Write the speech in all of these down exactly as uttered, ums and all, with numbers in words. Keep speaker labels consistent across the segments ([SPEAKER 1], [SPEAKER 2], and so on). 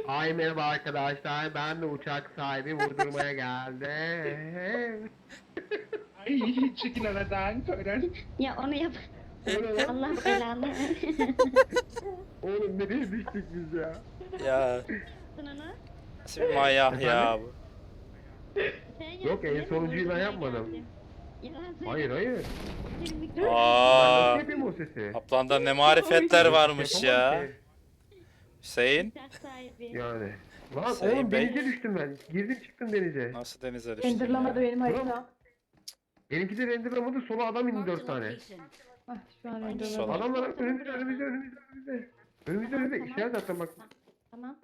[SPEAKER 1] Ay merhaba arkadaşlar, ben de uçak sahibi vurdurmaya geldim.
[SPEAKER 2] Ay çekil aradan Koran.
[SPEAKER 3] Ya onu yap.
[SPEAKER 1] O ne lan?
[SPEAKER 3] Allah belanı.
[SPEAKER 1] Oğlum nereye düştük biz ya?
[SPEAKER 4] Ya
[SPEAKER 3] Yaptın onu.
[SPEAKER 4] nasıl bir manyak ya
[SPEAKER 1] Efendim?
[SPEAKER 4] bu.
[SPEAKER 3] Sen
[SPEAKER 1] Yok,
[SPEAKER 3] yaptın,
[SPEAKER 1] en
[SPEAKER 3] değil mi?
[SPEAKER 1] sonuncuyu ben
[SPEAKER 3] Vurdurmaya
[SPEAKER 1] yapmadım.
[SPEAKER 3] geldim. Yalan söyle.
[SPEAKER 1] Hayır hayır.
[SPEAKER 3] Bir mikrofon-
[SPEAKER 1] Ben
[SPEAKER 4] Aa,
[SPEAKER 1] nasıl yapayım o sesi?
[SPEAKER 4] Kaplan'da ne marifetler varmış
[SPEAKER 1] Yapamam
[SPEAKER 4] ya.
[SPEAKER 1] ki.
[SPEAKER 4] Hüseyin
[SPEAKER 3] Uçak sahibi.
[SPEAKER 1] Yani. Lan
[SPEAKER 4] Sayın
[SPEAKER 1] oğlum
[SPEAKER 4] Bey.
[SPEAKER 1] denize düştüm ben. Girdim çıktım denize.
[SPEAKER 4] nasıl denize düştün
[SPEAKER 5] Renderlamadı
[SPEAKER 4] ya?
[SPEAKER 5] benim haritam.
[SPEAKER 1] Benimki de renderlamadı, sola adam indi dört tane.
[SPEAKER 5] Ah şu an
[SPEAKER 4] Sol.
[SPEAKER 5] renderlamadı.
[SPEAKER 1] Adamlar önümüzde önümüzde önümüzde önümüzde. Önümüzde önümüzde
[SPEAKER 3] Tamam.
[SPEAKER 1] işaret attım bak.
[SPEAKER 3] Tamam.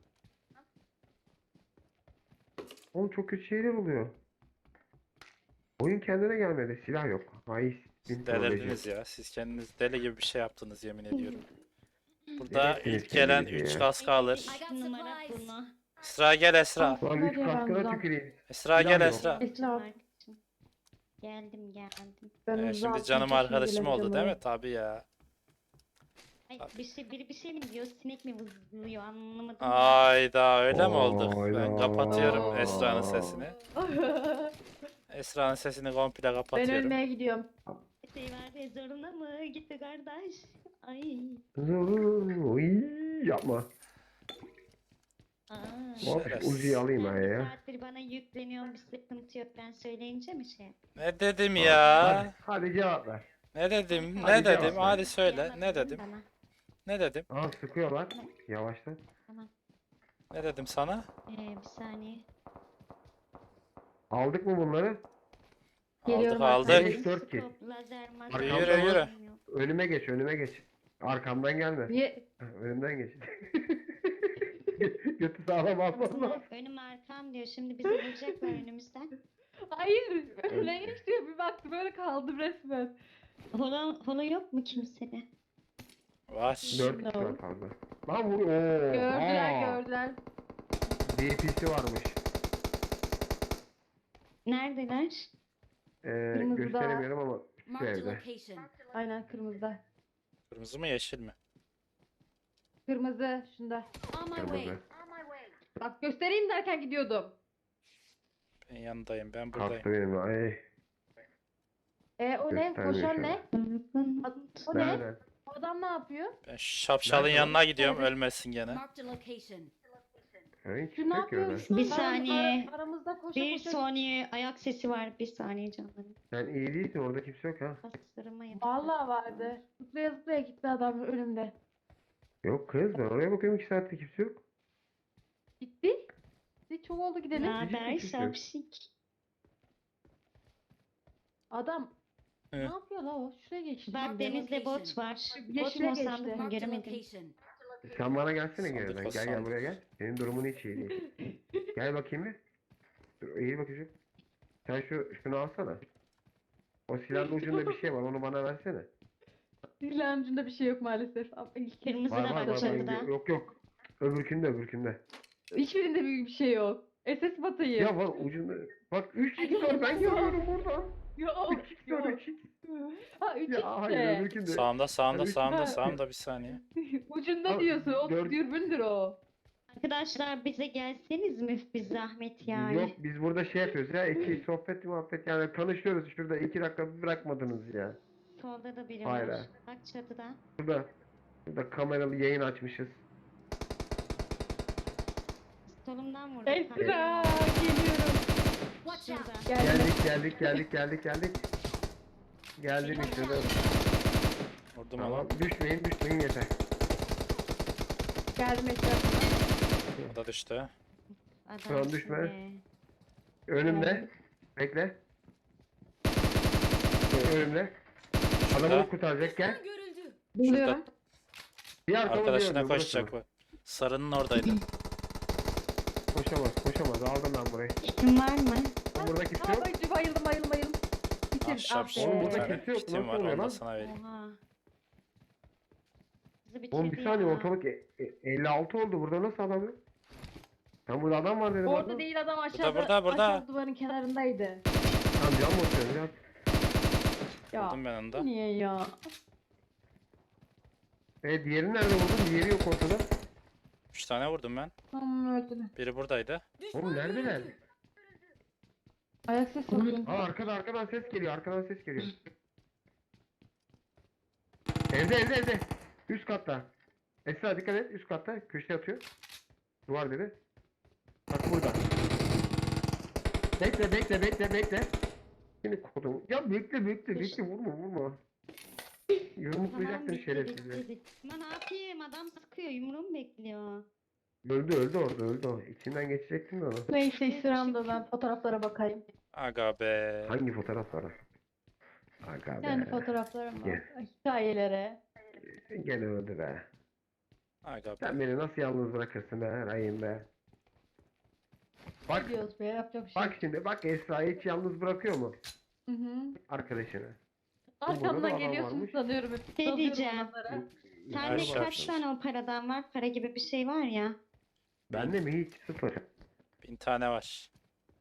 [SPEAKER 1] Oğlum çok kötü şeyler oluyor. Oyun kendine gelmedi. Silah yok. Ay
[SPEAKER 4] Siz delirdiniz ya. Siz kendiniz deli gibi bir şey yaptınız yemin ediyorum. Burada
[SPEAKER 1] Delirdiniz
[SPEAKER 4] ilk gelen
[SPEAKER 1] kendinizi
[SPEAKER 4] üç
[SPEAKER 1] ya.
[SPEAKER 4] kaskı alır.
[SPEAKER 3] İki numara bunu.
[SPEAKER 4] Esra gel Esra.
[SPEAKER 1] Lan üç
[SPEAKER 5] Hadi
[SPEAKER 1] kaskına
[SPEAKER 5] Ramazan.
[SPEAKER 1] tüküreyim.
[SPEAKER 4] Esra
[SPEAKER 1] Silah
[SPEAKER 4] gel
[SPEAKER 1] yok.
[SPEAKER 4] Esra.
[SPEAKER 5] Esra.
[SPEAKER 3] Geldim geldim.
[SPEAKER 5] Ben
[SPEAKER 4] Ee,
[SPEAKER 5] zaten
[SPEAKER 4] şimdi canım
[SPEAKER 5] çok iyi
[SPEAKER 4] arkadaşım oldu
[SPEAKER 5] gelebilirim
[SPEAKER 4] değil mi?
[SPEAKER 5] oraya.
[SPEAKER 4] Tabii ya.
[SPEAKER 3] Ay, bir şey, biri bir şey mi diyor? Sinek mi vızlıyor anlamadım.
[SPEAKER 4] Ayda öyle mi olduk? Ben
[SPEAKER 1] Hayda.
[SPEAKER 4] kapatıyorum Esra'nın sesini. Esra'nın sesini komple
[SPEAKER 5] Ben
[SPEAKER 4] kapatıyorum.
[SPEAKER 5] ölmeye gidiyorum.
[SPEAKER 3] Şey var ya, zoruna mı gitti kardeş? Ay.
[SPEAKER 1] Uy, yapma.
[SPEAKER 3] Aa.
[SPEAKER 1] Hop
[SPEAKER 4] Şerefsiz.
[SPEAKER 1] Uzi'yi alayım
[SPEAKER 3] Sen
[SPEAKER 1] ben
[SPEAKER 3] bir
[SPEAKER 1] ya.
[SPEAKER 3] saattir bana yükleniyorsun, bir sıkıntı yok. Ben söyleyince mi şey?
[SPEAKER 4] Ne dedim
[SPEAKER 1] Hadi,
[SPEAKER 4] ya?
[SPEAKER 1] hadi cevap ver.
[SPEAKER 4] Ne dedim?
[SPEAKER 1] Hadi
[SPEAKER 4] Ne
[SPEAKER 1] cevap
[SPEAKER 4] dedim?
[SPEAKER 1] ver.
[SPEAKER 4] Hadi söyle.
[SPEAKER 3] Yalan
[SPEAKER 4] Ne
[SPEAKER 3] değil
[SPEAKER 4] dedim?
[SPEAKER 3] bana.
[SPEAKER 4] Ne dedim?
[SPEAKER 1] Aa sıkıyorlar. Yavaşla.
[SPEAKER 4] Ne dedim sana?
[SPEAKER 3] Ee, bir saniye.
[SPEAKER 1] Aldık mı bunları?
[SPEAKER 5] Geliyorum
[SPEAKER 4] Aldık
[SPEAKER 5] arkadaşlar.
[SPEAKER 4] aldık.
[SPEAKER 1] Beş, dört ki.
[SPEAKER 3] Skop, lazer, mazer.
[SPEAKER 1] Arkamda
[SPEAKER 4] Yürü,
[SPEAKER 1] mı?
[SPEAKER 4] yürü.
[SPEAKER 1] Önüme geç, önüme geç. Arkamdan gelme.
[SPEAKER 5] Niye?
[SPEAKER 1] Ha, önümden geç. Götü sağlam almam lazım.
[SPEAKER 3] Önüm arkam diyor. Şimdi bizi vuracaklar önümüzden.
[SPEAKER 5] Hayır. Öyle geçti. Bir baktım böyle kaldım resmen.
[SPEAKER 3] Hola, hola yok mu kimsede?
[SPEAKER 4] Var.
[SPEAKER 1] Dört kişi var fazla. Lan vur. Oo.
[SPEAKER 5] Gördüler
[SPEAKER 1] aa.
[SPEAKER 5] gördüler.
[SPEAKER 1] D P C varmış.
[SPEAKER 3] Neredeler?
[SPEAKER 1] Ee,
[SPEAKER 5] Kırmızıda.
[SPEAKER 1] gösteremiyorum ama şu
[SPEAKER 6] Marked a
[SPEAKER 1] evde.
[SPEAKER 6] location.
[SPEAKER 5] Aynen kırmızıda.
[SPEAKER 4] Kırmızı mı yeşil mi?
[SPEAKER 5] Kırmızı şunda.
[SPEAKER 6] On my way.
[SPEAKER 1] Kırmızı.
[SPEAKER 5] Bak göstereyim derken gidiyordum.
[SPEAKER 4] Ben yanındayım. Ben buradayım.
[SPEAKER 1] Kalktı benim. Ay.
[SPEAKER 5] E o ne?
[SPEAKER 1] Göstermiyor
[SPEAKER 5] Koşan
[SPEAKER 1] şu an.
[SPEAKER 5] ne? O ne?
[SPEAKER 1] Nereden?
[SPEAKER 5] O adam ne yapıyor?
[SPEAKER 4] Ben şapşalın
[SPEAKER 1] Nerede o?
[SPEAKER 4] yanına gidiyorum.
[SPEAKER 5] Nerede?
[SPEAKER 4] Ölmesin gene.
[SPEAKER 6] Marked a location.
[SPEAKER 1] Ha, hiç
[SPEAKER 5] Şu ne
[SPEAKER 1] yok ki öyle.
[SPEAKER 5] yapıyor? Şu
[SPEAKER 3] Bir
[SPEAKER 5] aram-
[SPEAKER 3] saniye.
[SPEAKER 5] ara- aramızda koşa
[SPEAKER 3] Bir
[SPEAKER 5] koşa.
[SPEAKER 3] saniye ayak sesi var. Bir saniye canlarım.
[SPEAKER 1] Sen iyi değilsin, orada kimse yok ha.
[SPEAKER 3] Bastırma yapıyor.
[SPEAKER 5] Vallahi vardı. Zıplaya zıplaya gitti adam önümde.
[SPEAKER 1] Yok kız, ben oraya bakıyorum iki saatte kimse yok.
[SPEAKER 5] Gitti. Gitti çok oldu
[SPEAKER 3] Ne
[SPEAKER 5] gidelim.
[SPEAKER 3] haber
[SPEAKER 1] Hiçbir şey yok.
[SPEAKER 3] şapşik?
[SPEAKER 5] Adam
[SPEAKER 4] Hı.
[SPEAKER 5] ne yapıyor la o? Şuraya geçti.
[SPEAKER 3] Bak
[SPEAKER 5] şimdi.
[SPEAKER 3] denizde bot var. Bot
[SPEAKER 5] Yeşile
[SPEAKER 3] mu
[SPEAKER 5] geçti.
[SPEAKER 3] sandık mı
[SPEAKER 6] Marked a
[SPEAKER 3] göremedim.
[SPEAKER 6] location.
[SPEAKER 1] Sen bana gelsene
[SPEAKER 4] Sandık
[SPEAKER 1] geriden.
[SPEAKER 4] o
[SPEAKER 1] Gel gel
[SPEAKER 4] sandık.
[SPEAKER 1] buraya gel. Senin durumun hiç iyi değil. Gel bakayım bir. Dur, eğil bakayım. Sen şu şunu alsana. O silahın ucunda bir şey var, onu bana versene.
[SPEAKER 5] Silahın ucunda bir şey yok maalesef. Ama ilk-
[SPEAKER 3] Kırmızı
[SPEAKER 1] Var
[SPEAKER 3] da
[SPEAKER 1] var
[SPEAKER 3] var
[SPEAKER 1] var. var.
[SPEAKER 3] çatıda.
[SPEAKER 1] Yok yok. Öbürkünde öbürkünde.
[SPEAKER 5] Hiçbirinde büyük bir şey yok. S S batayı.
[SPEAKER 1] Ya var ucunda. Bak üç x var, ben görüyorum buradan.
[SPEAKER 5] Yok.
[SPEAKER 1] üç x var,
[SPEAKER 5] Yok.
[SPEAKER 1] üç x.
[SPEAKER 5] Ha üç
[SPEAKER 1] Ya hayır
[SPEAKER 5] işte.
[SPEAKER 1] öbürkünde.
[SPEAKER 4] Sağımda sağımda
[SPEAKER 1] Tabii ki
[SPEAKER 4] sağımda
[SPEAKER 5] de.
[SPEAKER 4] sağımda bir saniye.
[SPEAKER 5] Ucunda
[SPEAKER 1] Ha,
[SPEAKER 5] diyorsun. O
[SPEAKER 1] dört-
[SPEAKER 5] dürbündür o.
[SPEAKER 3] Arkadaşlar bize gelseniz mi bir zahmet yani?
[SPEAKER 1] Yok biz burada şey yapıyoruz ya, iki sohbet muhabbet yani tanışıyoruz şurada, iki dakika bırakmadınız ya.
[SPEAKER 3] Solda da biri
[SPEAKER 1] Hayır,
[SPEAKER 3] var.
[SPEAKER 1] hayır.
[SPEAKER 3] Bak çatıda.
[SPEAKER 1] Burada, burada kameralı yayın açmışız.
[SPEAKER 3] Solumdan vurdu.
[SPEAKER 5] Esra
[SPEAKER 3] Tamam.
[SPEAKER 5] geliyorum.
[SPEAKER 6] Watch out.
[SPEAKER 3] Şurada.
[SPEAKER 5] Geldim.
[SPEAKER 1] Geldik geldik geldik geldik geldik. Geldim işte dur.
[SPEAKER 4] Vurdum
[SPEAKER 1] Tamam
[SPEAKER 4] ama.
[SPEAKER 1] düşmeyin düşmeyin yeter.
[SPEAKER 5] Geldim etrafına.
[SPEAKER 4] O da düştü.
[SPEAKER 3] Adamsın
[SPEAKER 1] düşme.
[SPEAKER 3] be.
[SPEAKER 1] Önümde. Bekle. Önümde.
[SPEAKER 4] Şurada.
[SPEAKER 1] Adamı kurtaracak gel.
[SPEAKER 6] Görüldü.
[SPEAKER 5] Buluyorum.
[SPEAKER 1] Bir arkamı
[SPEAKER 4] Arkadaşına
[SPEAKER 1] diyorum,
[SPEAKER 4] koşacak
[SPEAKER 1] burası.
[SPEAKER 4] bu. Sarının oradaydı.
[SPEAKER 1] Koşamaz koşamaz, aldım ben burayı.
[SPEAKER 3] Kim var mı?
[SPEAKER 1] Burada kimse
[SPEAKER 5] Aa,
[SPEAKER 1] yok.
[SPEAKER 5] bayıldım bayıldım bayıldım bayıldım. Bitir.
[SPEAKER 4] Ahşap
[SPEAKER 5] Ah be.
[SPEAKER 1] Oğlum
[SPEAKER 4] bir
[SPEAKER 1] burada
[SPEAKER 4] tane
[SPEAKER 1] kimse yok,
[SPEAKER 4] kitim
[SPEAKER 1] nasıl
[SPEAKER 4] var
[SPEAKER 1] oluyor
[SPEAKER 4] onu da
[SPEAKER 1] lan?
[SPEAKER 4] sana vereyim.
[SPEAKER 3] Oha. Bizi
[SPEAKER 1] Oğlum bir
[SPEAKER 3] bitirdi
[SPEAKER 1] saniye
[SPEAKER 3] ya.
[SPEAKER 1] ortalık e- e- elli altı oldu, burada nasıl adam yok? Sen burada adam var dedim.
[SPEAKER 5] Orada
[SPEAKER 1] adam.
[SPEAKER 5] değil adam aşağıda.
[SPEAKER 4] burada, burada.
[SPEAKER 5] Aşağı duvarın kenarındaydı.
[SPEAKER 1] Tamam can mı atıyorsun ya?
[SPEAKER 5] Ya
[SPEAKER 4] Vurdum ben onu da.
[SPEAKER 5] niye ya?
[SPEAKER 1] E diğerini nerede buldun? Diğeri yok ortada.
[SPEAKER 4] Üç tane vurdum ben.
[SPEAKER 5] Tamam öldü.
[SPEAKER 4] Biri buradaydı.
[SPEAKER 1] Oğlum neredeler?
[SPEAKER 5] Ayak sesi yapıyorum.
[SPEAKER 1] Aa arkada arkadan ses geliyor. Arkadan ses geliyor. Evde evde evde. Üst katta. Esra dikkat et. Üst katta. Köşeye atıyor. Duvar dedi. Bak burada. Bekle bekle bekle bekle. Şimdi kodum. Ya bekle bekle bekle vurma vurma. Yumruklayacaksın
[SPEAKER 3] bitti,
[SPEAKER 1] şerefsizi.
[SPEAKER 3] bitti, bitti. Ama ne yapayım? Adam sıkıyor. Yumruğumu bekliyor.
[SPEAKER 1] Öldü öldü orada öldü o. İçinden geçecektin de onu.
[SPEAKER 5] Neyse sıramda ben fotoğraflara bakayım.
[SPEAKER 4] Aga be.
[SPEAKER 1] Hangi fotoğraf var? Aga
[SPEAKER 5] Kendi
[SPEAKER 1] be.
[SPEAKER 5] fotoğraflarım var.
[SPEAKER 1] Gel.
[SPEAKER 5] Hikayelere.
[SPEAKER 1] Gene öldü be.
[SPEAKER 4] Aga be.
[SPEAKER 1] Sen beni nasıl yalnız bırakırsın be Rahim be. Bak
[SPEAKER 5] Ne diyoruz be yapacak bir şey.
[SPEAKER 1] bak şimdi bak Esra'yı hiç yalnız bırakıyor mu
[SPEAKER 5] Hı hı.
[SPEAKER 1] arkadaşını? burada da
[SPEAKER 5] Arkamdan
[SPEAKER 1] adam
[SPEAKER 5] geliyorsun
[SPEAKER 1] varmış.
[SPEAKER 5] sanıyorum hep.
[SPEAKER 3] Şey
[SPEAKER 5] Dalıyorum
[SPEAKER 3] diyeceğim.
[SPEAKER 5] onlara.
[SPEAKER 3] Sende
[SPEAKER 4] Aşağı
[SPEAKER 3] kaç
[SPEAKER 4] atıyorsun.
[SPEAKER 3] tane o paradan var? Para gibi bir şey var ya.
[SPEAKER 1] Bende mi hiç sıfır.
[SPEAKER 4] Bin tane var.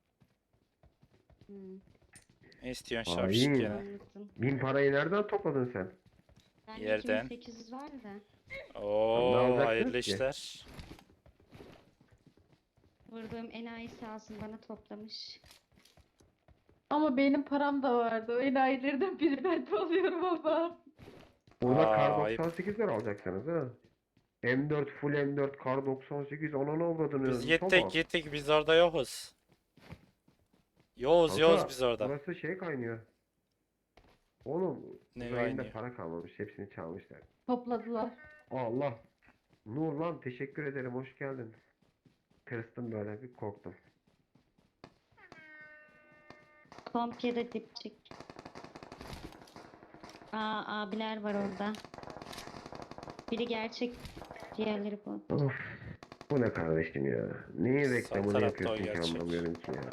[SPEAKER 3] Hmm,
[SPEAKER 4] Ne istiyorsun
[SPEAKER 1] Hain.
[SPEAKER 4] şapşik gene?
[SPEAKER 3] anladım.
[SPEAKER 1] Bin parayı nereden topladın sen?
[SPEAKER 3] Bende
[SPEAKER 4] Yerden.
[SPEAKER 3] iki bin sekiz yüz var da.
[SPEAKER 4] Oo
[SPEAKER 1] alacaksınız
[SPEAKER 4] hayırlı
[SPEAKER 1] ki?
[SPEAKER 4] işler.
[SPEAKER 3] Vurduğum enayi sağ olsun bana toplamış.
[SPEAKER 5] Ama benim param da vardı. O enayilerden biri ben de oluyorum ama.
[SPEAKER 1] Burada
[SPEAKER 4] Aa,
[SPEAKER 1] kar
[SPEAKER 4] ayıp.
[SPEAKER 1] doksan sekizler alacaksınız ha. M dört full M dört kar doksan sekiz ona ne avradını
[SPEAKER 4] Biz
[SPEAKER 1] Tamam.
[SPEAKER 4] gittik gittik biz orada yokuz. Yoğuz
[SPEAKER 1] Kanka,
[SPEAKER 4] yoğuz biz orada.
[SPEAKER 1] Burası şey kaynıyor. Oğlum
[SPEAKER 4] Ne
[SPEAKER 1] uzayında
[SPEAKER 4] kaynıyor?
[SPEAKER 1] para kalmamış hepsini çalmışlar.
[SPEAKER 5] Topladılar.
[SPEAKER 1] Allah. Nur lan teşekkür ederim hoş geldin. Kırstım böyle bir korktum.
[SPEAKER 3] Kompiyede dipçik. Aa abiler var orada. Biri gerçek, diğerleri bu.
[SPEAKER 1] Of. Bu ne kardeşim ya? Neyin reklamını
[SPEAKER 4] tarafta o
[SPEAKER 1] yapıyorsun ki
[SPEAKER 4] gerçek.
[SPEAKER 1] anlamıyorum ki ya.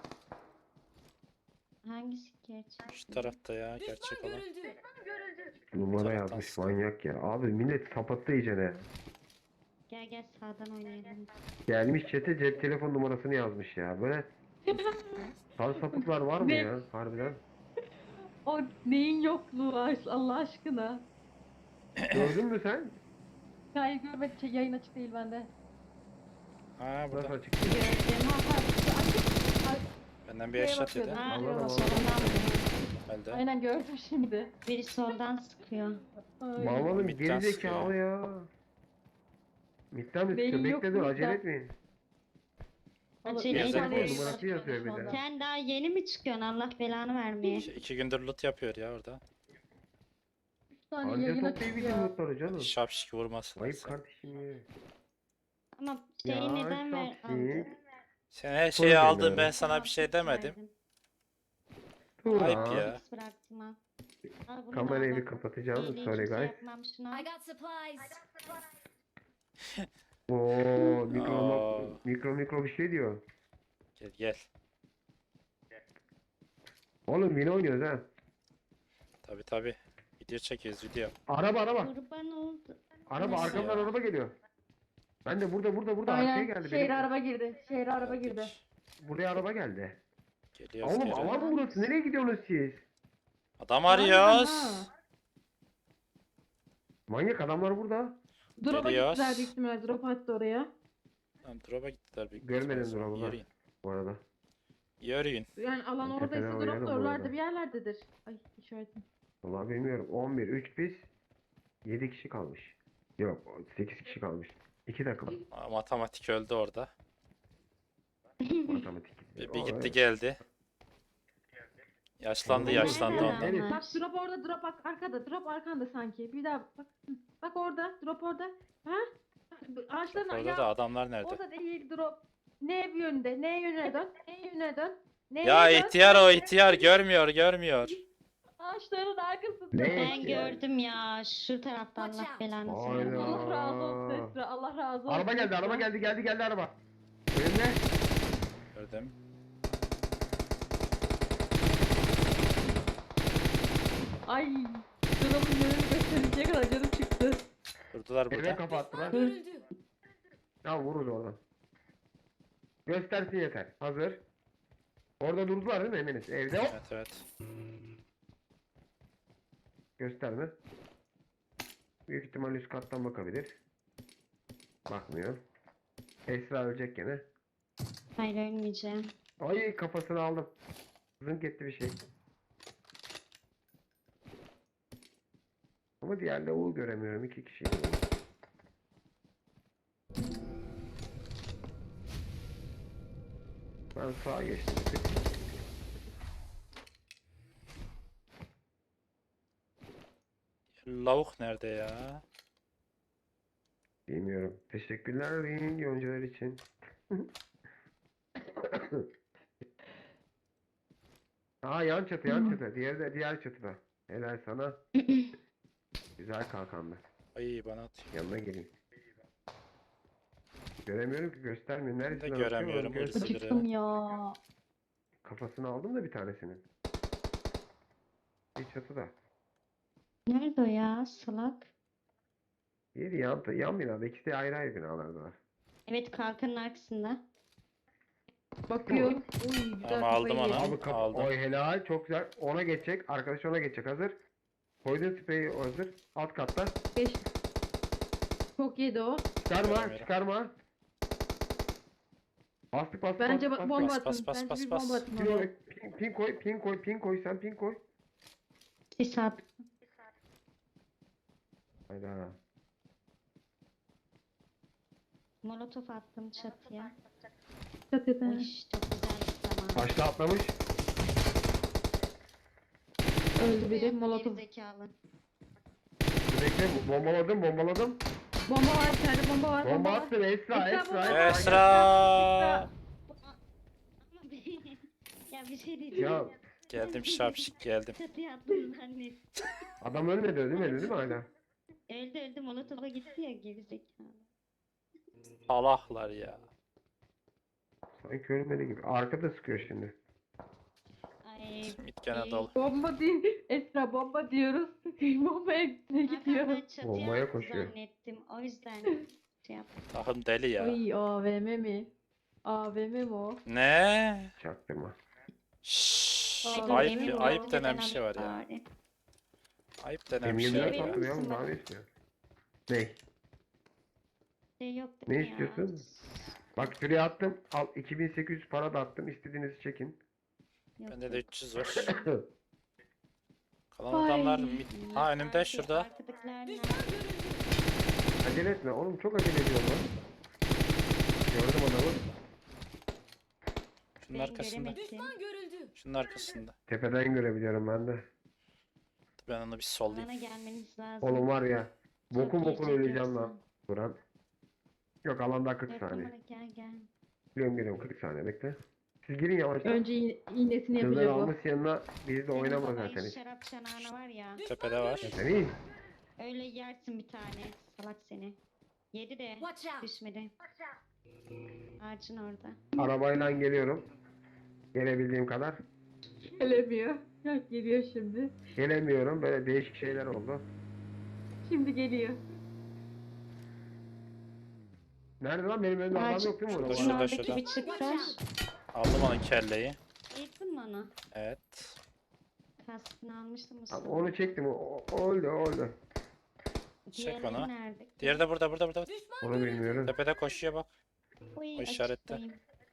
[SPEAKER 3] Hangisi gerçek?
[SPEAKER 4] Şu tarafta ya gerçek
[SPEAKER 6] Düşman
[SPEAKER 4] olan.
[SPEAKER 6] görüldü.
[SPEAKER 1] Numara
[SPEAKER 4] Taraftan
[SPEAKER 1] yazmış
[SPEAKER 4] sıkı.
[SPEAKER 1] manyak ya. Abi millet sapattı iyicene.
[SPEAKER 3] Gel gel sağdan oynayalım.
[SPEAKER 1] Gelmiş chat'e cep telefon numarasını yazmış ya. Böyle sar sapıklar var mı
[SPEAKER 5] Ne?
[SPEAKER 1] ya harbiden?
[SPEAKER 5] O neyin yokluğu aş- Allah aşkına.
[SPEAKER 1] Gördün mü sen?
[SPEAKER 5] Hayır görmedim. Şey, yayın açık değil bende.
[SPEAKER 4] Ha
[SPEAKER 1] Burası
[SPEAKER 4] burada.
[SPEAKER 1] açık.
[SPEAKER 3] Gördüm.
[SPEAKER 5] Ha ha. Açık. Ay,
[SPEAKER 4] Benden bir
[SPEAKER 5] Şeye
[SPEAKER 4] eşat
[SPEAKER 5] bakıyordum.
[SPEAKER 4] yedi.
[SPEAKER 3] Ha,
[SPEAKER 1] Anladım, anladım.
[SPEAKER 3] soldan vuruyor.
[SPEAKER 4] Öldü.
[SPEAKER 5] Aynen gördüm şimdi.
[SPEAKER 3] Biri soldan sıkıyor.
[SPEAKER 5] Ay.
[SPEAKER 1] Bağlanın
[SPEAKER 4] Midden
[SPEAKER 1] geri
[SPEAKER 4] sıkıyor
[SPEAKER 1] zekalı ya. Midden mi
[SPEAKER 5] Beyin
[SPEAKER 1] sıkıyor?
[SPEAKER 5] yok
[SPEAKER 1] Bekle dur
[SPEAKER 5] midden.
[SPEAKER 1] acele etmeyin.
[SPEAKER 3] Acele
[SPEAKER 4] Yazık
[SPEAKER 3] etme.
[SPEAKER 4] oldu,
[SPEAKER 1] numarası yazıyor bir de.
[SPEAKER 3] Sen daha yeni mi çıkıyorsun Allah belanı vermeye?
[SPEAKER 4] İki, iki gündür loot yapıyor ya orada.
[SPEAKER 5] Bir tane
[SPEAKER 1] Anca
[SPEAKER 5] yayın açık
[SPEAKER 1] toplayabildim
[SPEAKER 5] ya.
[SPEAKER 1] notları canım.
[SPEAKER 4] Şapşik vurmasın.
[SPEAKER 1] Ayıp
[SPEAKER 4] sen.
[SPEAKER 1] kardeşim ya.
[SPEAKER 3] Ama şeyi
[SPEAKER 1] Ya,
[SPEAKER 3] neden ver
[SPEAKER 1] çok
[SPEAKER 3] aldın?
[SPEAKER 1] iyi.
[SPEAKER 4] Sen her
[SPEAKER 1] Sonra
[SPEAKER 4] şeyi aldın
[SPEAKER 1] gönderin.
[SPEAKER 4] ben sana bir şey demedim.
[SPEAKER 1] Dur
[SPEAKER 4] Ayıp
[SPEAKER 1] ha.
[SPEAKER 4] ya.
[SPEAKER 3] X bıraktım ha. Al bunu da
[SPEAKER 1] Kamerayı
[SPEAKER 3] al
[SPEAKER 1] bir
[SPEAKER 3] bak.
[SPEAKER 1] kapatacağım.
[SPEAKER 3] İyiliği
[SPEAKER 1] Sorry
[SPEAKER 3] kimse
[SPEAKER 1] guys.
[SPEAKER 3] yapmam şuna.
[SPEAKER 6] I got supplies.
[SPEAKER 1] Oo mikro,
[SPEAKER 4] Aa.
[SPEAKER 1] mikro mikro bir şey diyor.
[SPEAKER 4] Gel gel.
[SPEAKER 1] Oğlum yine oynuyoruz ha.
[SPEAKER 4] Tabi tabi. Video çekiyoruz video.
[SPEAKER 1] Araba araba.
[SPEAKER 3] Kurban oldu.
[SPEAKER 1] Araba
[SPEAKER 3] Nasıl
[SPEAKER 1] arkamdan
[SPEAKER 4] ya?
[SPEAKER 1] araba geliyor. Ben de burada burada burada arkaya
[SPEAKER 5] Aynen.
[SPEAKER 1] geldi.
[SPEAKER 5] Şehir
[SPEAKER 1] Benim.
[SPEAKER 5] araba girdi. Şehir araba girdi.
[SPEAKER 4] Geldik.
[SPEAKER 1] Buraya araba geldi.
[SPEAKER 4] Geliyoruz
[SPEAKER 1] Oğlum
[SPEAKER 4] geri.
[SPEAKER 1] alan mı burası? Nereye gidiyorsunuz siz?
[SPEAKER 4] Adam
[SPEAKER 5] Harbiden
[SPEAKER 4] arıyoruz.
[SPEAKER 5] ha.
[SPEAKER 1] Manyak adamlar burada.
[SPEAKER 5] Drop'a
[SPEAKER 4] Geliyoruz.
[SPEAKER 5] gittiler büyük ihtimalle. Drop attı oraya.
[SPEAKER 4] Tamam drop'a gittiler büyük
[SPEAKER 1] Görmedim
[SPEAKER 4] ihtimalle.
[SPEAKER 1] drop'u ben.
[SPEAKER 4] Yürüyün.
[SPEAKER 1] Bu arada.
[SPEAKER 4] Yürüyün.
[SPEAKER 5] Yani alan
[SPEAKER 1] Ben
[SPEAKER 5] oradaysa
[SPEAKER 1] tepeden
[SPEAKER 5] drop
[SPEAKER 1] oynarım
[SPEAKER 5] da
[SPEAKER 1] bu
[SPEAKER 5] oralarda
[SPEAKER 1] arada.
[SPEAKER 5] bir yerlerdedir. Ay işaretim.
[SPEAKER 1] Vallahi bilmiyorum. on bir, üç biz. yedi kişi kalmış. Yok sekiz kişi kalmış. iki takım.
[SPEAKER 4] Aa, matematik öldü orada.
[SPEAKER 1] Matematik.
[SPEAKER 4] Bir,
[SPEAKER 1] O,
[SPEAKER 4] bir gitti
[SPEAKER 1] evet.
[SPEAKER 4] geldi. Yaşlandı
[SPEAKER 1] Oğlum,
[SPEAKER 4] yaşlandı
[SPEAKER 3] nerede
[SPEAKER 4] ondan.
[SPEAKER 1] Neresi?
[SPEAKER 3] adamlar?
[SPEAKER 5] Bak drop orada, drop bak arkada, drop arkanda sanki. Bir daha bak. Hı, bak orada, drop orada. Ha? Ağaçların
[SPEAKER 4] Orada
[SPEAKER 5] ya,
[SPEAKER 4] da adamlar nerede?
[SPEAKER 5] orada değil drop. Ne yönde? Ne yöne dön? Ne yöne dön? Ne
[SPEAKER 4] Ya
[SPEAKER 5] yöne dön?
[SPEAKER 4] ihtiyar o ihtiyar görmüyor görmüyor.
[SPEAKER 5] Ağaçların arkasında.
[SPEAKER 1] Ne?
[SPEAKER 3] Ben
[SPEAKER 1] Evet.
[SPEAKER 3] gördüm ya şu tarafta
[SPEAKER 6] Watch
[SPEAKER 3] Allah
[SPEAKER 6] out.
[SPEAKER 3] belanı
[SPEAKER 1] Hayda.
[SPEAKER 3] versin.
[SPEAKER 5] Allah razı olsun Esra. Allah razı olsun.
[SPEAKER 1] Araba geldi,
[SPEAKER 5] Esra.
[SPEAKER 1] araba geldi, geldi, geldi araba. Önümde.
[SPEAKER 4] Gördüm.
[SPEAKER 5] Ay. Drop'un yönünü gösterince kadar canım çıktı.
[SPEAKER 4] Durdular
[SPEAKER 1] Eve
[SPEAKER 4] burada.
[SPEAKER 1] kapattılar.
[SPEAKER 6] Görüldü.
[SPEAKER 1] Ya vururuz oradan. Göstersin yeter. Hazır. Orada durdular değil mi eminiz? Evde hop.
[SPEAKER 4] Evet evet.
[SPEAKER 1] Gösterme. Büyük ihtimalle üst kattan bakabilir. Bakmıyor. Esra ölecek gene.
[SPEAKER 3] Hayır ölmeyeceğim.
[SPEAKER 1] Ay kafasını aldım. Zınk etti bir şey. Ama diğer lavuğu göremiyorum. İki kişi. Ben sağa geçtim. bir tık.
[SPEAKER 4] Lavuk nerede ya?
[SPEAKER 1] Bilmiyorum. Teşekkürler Ring yoncalar için. Aa yan çatı yan çatı. Diğeri de diğer çatıda. Helal sana. Güzel kalkandı.
[SPEAKER 4] Ay bana atıyor.
[SPEAKER 1] Yanına gelin. Göremiyorum ki göstermiyor.
[SPEAKER 4] Ben de
[SPEAKER 1] Neresinden atıyor
[SPEAKER 4] göremiyorum.
[SPEAKER 1] oğlum? Göster-
[SPEAKER 4] Hırsızı.
[SPEAKER 3] Acıktım ya.
[SPEAKER 1] Kafasını aldım da bir tanesinin. Bir çatıda.
[SPEAKER 3] Nerede o ya salak?
[SPEAKER 1] Diğeri yan, yan binada. İkisi de ayrı ayrı binalardalar.
[SPEAKER 3] Evet kalkanın arkasında.
[SPEAKER 5] Bakıyor. Uy güzel
[SPEAKER 4] Ama aldım
[SPEAKER 5] kafayı
[SPEAKER 4] onu.
[SPEAKER 5] yedi.
[SPEAKER 1] Abi kap
[SPEAKER 4] Aldım.
[SPEAKER 1] oy helal. Çok güzel. Ona geçecek. Arkadaş ona geçecek. Hazır. Koydun spreyi hazır. Alt katta.
[SPEAKER 5] Beş. Çok yedi o.
[SPEAKER 1] Çıkarma.
[SPEAKER 4] Göremiyorum.
[SPEAKER 1] Çıkarma. Bastık bastık
[SPEAKER 5] Bence
[SPEAKER 1] bastık,
[SPEAKER 5] ba-
[SPEAKER 1] bastık.
[SPEAKER 5] bomba
[SPEAKER 4] Bas,
[SPEAKER 5] atın.
[SPEAKER 4] bas, bas,
[SPEAKER 5] Bence
[SPEAKER 4] bas,
[SPEAKER 5] bir
[SPEAKER 4] bas.
[SPEAKER 5] bomba atın
[SPEAKER 1] Pin,
[SPEAKER 5] oraya.
[SPEAKER 1] oraya, pin, pin koy. Pin koy. Pin koy. Sen pin koy.
[SPEAKER 3] Sis at.
[SPEAKER 1] Hayda.
[SPEAKER 3] Molotof attım çatıya.
[SPEAKER 5] Çatıda.
[SPEAKER 3] Uy çok güzel bir zaman.
[SPEAKER 1] Taşla atlamış.
[SPEAKER 5] Öldü biri. Molotof.
[SPEAKER 3] Gerizekalı.
[SPEAKER 1] Bekle. Bombaladım. Bombaladım.
[SPEAKER 5] Bomba var bir tane bomba var.
[SPEAKER 1] Bomba
[SPEAKER 5] var.
[SPEAKER 1] attın. Esra.
[SPEAKER 5] Esra,
[SPEAKER 1] Esra.
[SPEAKER 5] bomba.
[SPEAKER 4] Esra.
[SPEAKER 3] Ama bir- ya bir şey diyeceğim.
[SPEAKER 1] Ya
[SPEAKER 4] Geldim şapşik geldim.
[SPEAKER 3] Çatıya attım zannettim.
[SPEAKER 1] adam ölmedi. Ölmedi değil mi hala?
[SPEAKER 3] Öldü öldü molotofa gitti ya gerizekalı.
[SPEAKER 4] Salahlar ya.
[SPEAKER 1] Sanki ölmedi gibi. Arkada sıkıyor şimdi.
[SPEAKER 3] Ay.
[SPEAKER 4] Mit gene
[SPEAKER 3] iyi.
[SPEAKER 4] dolu.
[SPEAKER 5] Bomba değil. Esra bomba diyoruz. Bombaya ne
[SPEAKER 3] Hakan
[SPEAKER 5] gidiyor?
[SPEAKER 3] ben çatıya
[SPEAKER 1] Bombaya
[SPEAKER 3] attı
[SPEAKER 1] koşuyor.
[SPEAKER 3] zannettim. O yüzden şey yaptım.
[SPEAKER 4] Takım deli ya.
[SPEAKER 5] Ay A V M mi? A V M mi o?
[SPEAKER 4] Ne?
[SPEAKER 1] Çaktırma.
[SPEAKER 4] Şşş.
[SPEAKER 5] Ay,
[SPEAKER 4] Ayıp,
[SPEAKER 5] emin ol,
[SPEAKER 4] ayıp denen bir
[SPEAKER 3] Ben
[SPEAKER 4] şey var ya.
[SPEAKER 3] bari.
[SPEAKER 4] Ayıp denen
[SPEAKER 1] M
[SPEAKER 4] bir şey
[SPEAKER 1] yirmi
[SPEAKER 4] var
[SPEAKER 1] dört
[SPEAKER 3] verir
[SPEAKER 4] ya.
[SPEAKER 1] attım ya.
[SPEAKER 3] misin
[SPEAKER 1] Daha
[SPEAKER 3] bana?
[SPEAKER 1] ne istiyor? Ne?
[SPEAKER 3] Şey yok
[SPEAKER 1] Ne
[SPEAKER 3] değil mi ya?
[SPEAKER 1] istiyorsun? Bak şuraya attım. Al iki bin sekiz yüz para da attım. İstediğinizi çekin.
[SPEAKER 3] Yok,
[SPEAKER 4] Bende de
[SPEAKER 3] yok.
[SPEAKER 4] üç yüz var. Kalan
[SPEAKER 5] Ay.
[SPEAKER 4] adamlar mid... Ha önümde
[SPEAKER 3] Arka-
[SPEAKER 4] şurada.
[SPEAKER 3] Arkadakiler nerede?
[SPEAKER 1] Acele etme. Oğlum çok acele ediyorum lan. Gördüm adamı.
[SPEAKER 4] Şunun
[SPEAKER 3] Ben
[SPEAKER 4] arkasında.
[SPEAKER 3] göremedim.
[SPEAKER 6] Görüldü.
[SPEAKER 4] Şunun arkasında.
[SPEAKER 1] Tepeden görebiliyorum ben de.
[SPEAKER 4] Ben onu bir sollayayım.
[SPEAKER 3] Bana gelmeniz lazım.
[SPEAKER 1] Oğlum var ya. Bokun
[SPEAKER 3] Çok
[SPEAKER 1] bokun
[SPEAKER 3] yiyecek
[SPEAKER 1] öleceğim
[SPEAKER 3] yoksa.
[SPEAKER 1] lan. Buran. Yok alanda kırk
[SPEAKER 3] Dört
[SPEAKER 1] saniye.
[SPEAKER 3] numara gel gel.
[SPEAKER 1] Biliyorum geliyorum kırk saniye bekle. Siz girin yavaştan.
[SPEAKER 5] Önce iğ- iğnesini
[SPEAKER 1] Kızlar
[SPEAKER 5] yapacak o.
[SPEAKER 1] almış yanına biz de
[SPEAKER 3] Senin
[SPEAKER 1] oynama
[SPEAKER 3] babayı
[SPEAKER 1] zaten hiç.
[SPEAKER 3] şarap çanağına var ya.
[SPEAKER 4] Tepede var.
[SPEAKER 1] Sen iyi.
[SPEAKER 3] Öyle yersin bir tane. Salak seni. Yedi de
[SPEAKER 6] Watch out.
[SPEAKER 3] düşmedi. Ağacın orada.
[SPEAKER 1] Arabayla geliyorum. Gelebildiğim kadar.
[SPEAKER 5] Gelemiyor. Yok geliyor şimdi.
[SPEAKER 1] Gelemiyorum. Böyle değişik şeyler oldu.
[SPEAKER 5] Şimdi geliyor.
[SPEAKER 1] Nerede lan benim önümde adam
[SPEAKER 3] Ağaç-
[SPEAKER 1] yok değil mi burada?
[SPEAKER 4] Şurada,
[SPEAKER 3] Şunun
[SPEAKER 4] şurada,
[SPEAKER 3] oradaki
[SPEAKER 4] şurada.
[SPEAKER 3] bir çıktı.
[SPEAKER 4] Aldım onun kelleyi.
[SPEAKER 3] Yıktın mı onu?
[SPEAKER 4] Evet.
[SPEAKER 3] Kaskını almıştım
[SPEAKER 1] Abi
[SPEAKER 3] Mustafa.
[SPEAKER 1] onu çektim. O, o öldü o öldü.
[SPEAKER 4] Çek
[SPEAKER 3] Diğerleri
[SPEAKER 4] onu.
[SPEAKER 3] nerede?
[SPEAKER 4] Diğeri de burada burada burada.
[SPEAKER 1] Onu bilmiyorum.
[SPEAKER 4] Tepede koşuyor bak.
[SPEAKER 3] Uy,
[SPEAKER 4] o işarette.
[SPEAKER 3] açıklayayım.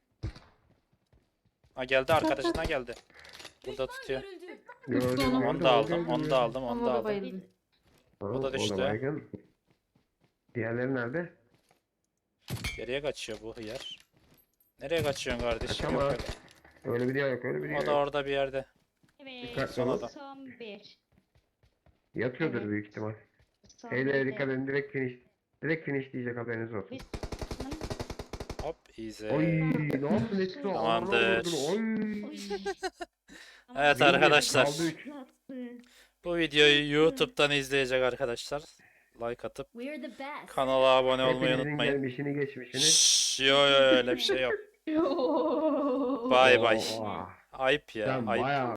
[SPEAKER 4] Ha geldi arkadaşına geldi. Burada tutuyor.
[SPEAKER 1] Gördüm,
[SPEAKER 5] Onu
[SPEAKER 1] gördüm,
[SPEAKER 4] Onu da aldım.
[SPEAKER 1] gördüm,
[SPEAKER 4] Onu da aldım. Onu
[SPEAKER 5] Ama
[SPEAKER 4] da
[SPEAKER 5] o da
[SPEAKER 4] aldım.
[SPEAKER 5] bayıldı.
[SPEAKER 1] Tamam,
[SPEAKER 4] O da düştü.
[SPEAKER 1] baygın. Diğerleri nerede?
[SPEAKER 4] Geriye kaçıyor bu hıyar. Nereye kaçıyorsun kardeşim?
[SPEAKER 1] Kaçamaz.
[SPEAKER 4] Yok öyle.
[SPEAKER 1] Öyle bir diğer yok öyle bir diğer
[SPEAKER 4] O da
[SPEAKER 1] yok.
[SPEAKER 4] orada bir yerde.
[SPEAKER 3] Evet.
[SPEAKER 1] Dikkatli
[SPEAKER 4] Son
[SPEAKER 1] olun.
[SPEAKER 4] adam.
[SPEAKER 3] Son bir.
[SPEAKER 1] Yatıyordur
[SPEAKER 3] Evet.
[SPEAKER 1] büyük ihtimal.
[SPEAKER 3] Son
[SPEAKER 1] Eylere
[SPEAKER 3] bir
[SPEAKER 1] dikkat
[SPEAKER 3] de.
[SPEAKER 1] edin direkt finish. Direkt finish diyecek haberiniz olsun.
[SPEAKER 3] Biz
[SPEAKER 4] Hop easy.
[SPEAKER 1] Oy ne yaptın Etsu?
[SPEAKER 4] Tamamdır.
[SPEAKER 1] Oy.
[SPEAKER 3] Oy. Ama
[SPEAKER 4] Evet
[SPEAKER 3] biz-
[SPEAKER 4] arkadaşlar.
[SPEAKER 1] Kaldı üç.
[SPEAKER 4] Bu videoyu YouTube'dan izleyecek arkadaşlar. Like atıp
[SPEAKER 6] We're the best.
[SPEAKER 4] kanala abone olmayı
[SPEAKER 1] Hepinizin
[SPEAKER 4] unutmayın.
[SPEAKER 1] gelmişini geçmişini.
[SPEAKER 4] Şşş, yo yo öyle bir şey yok. Bay bay.
[SPEAKER 1] Oo,
[SPEAKER 4] Ayıp ya.
[SPEAKER 1] Sen
[SPEAKER 4] Ayıp.
[SPEAKER 1] bayağı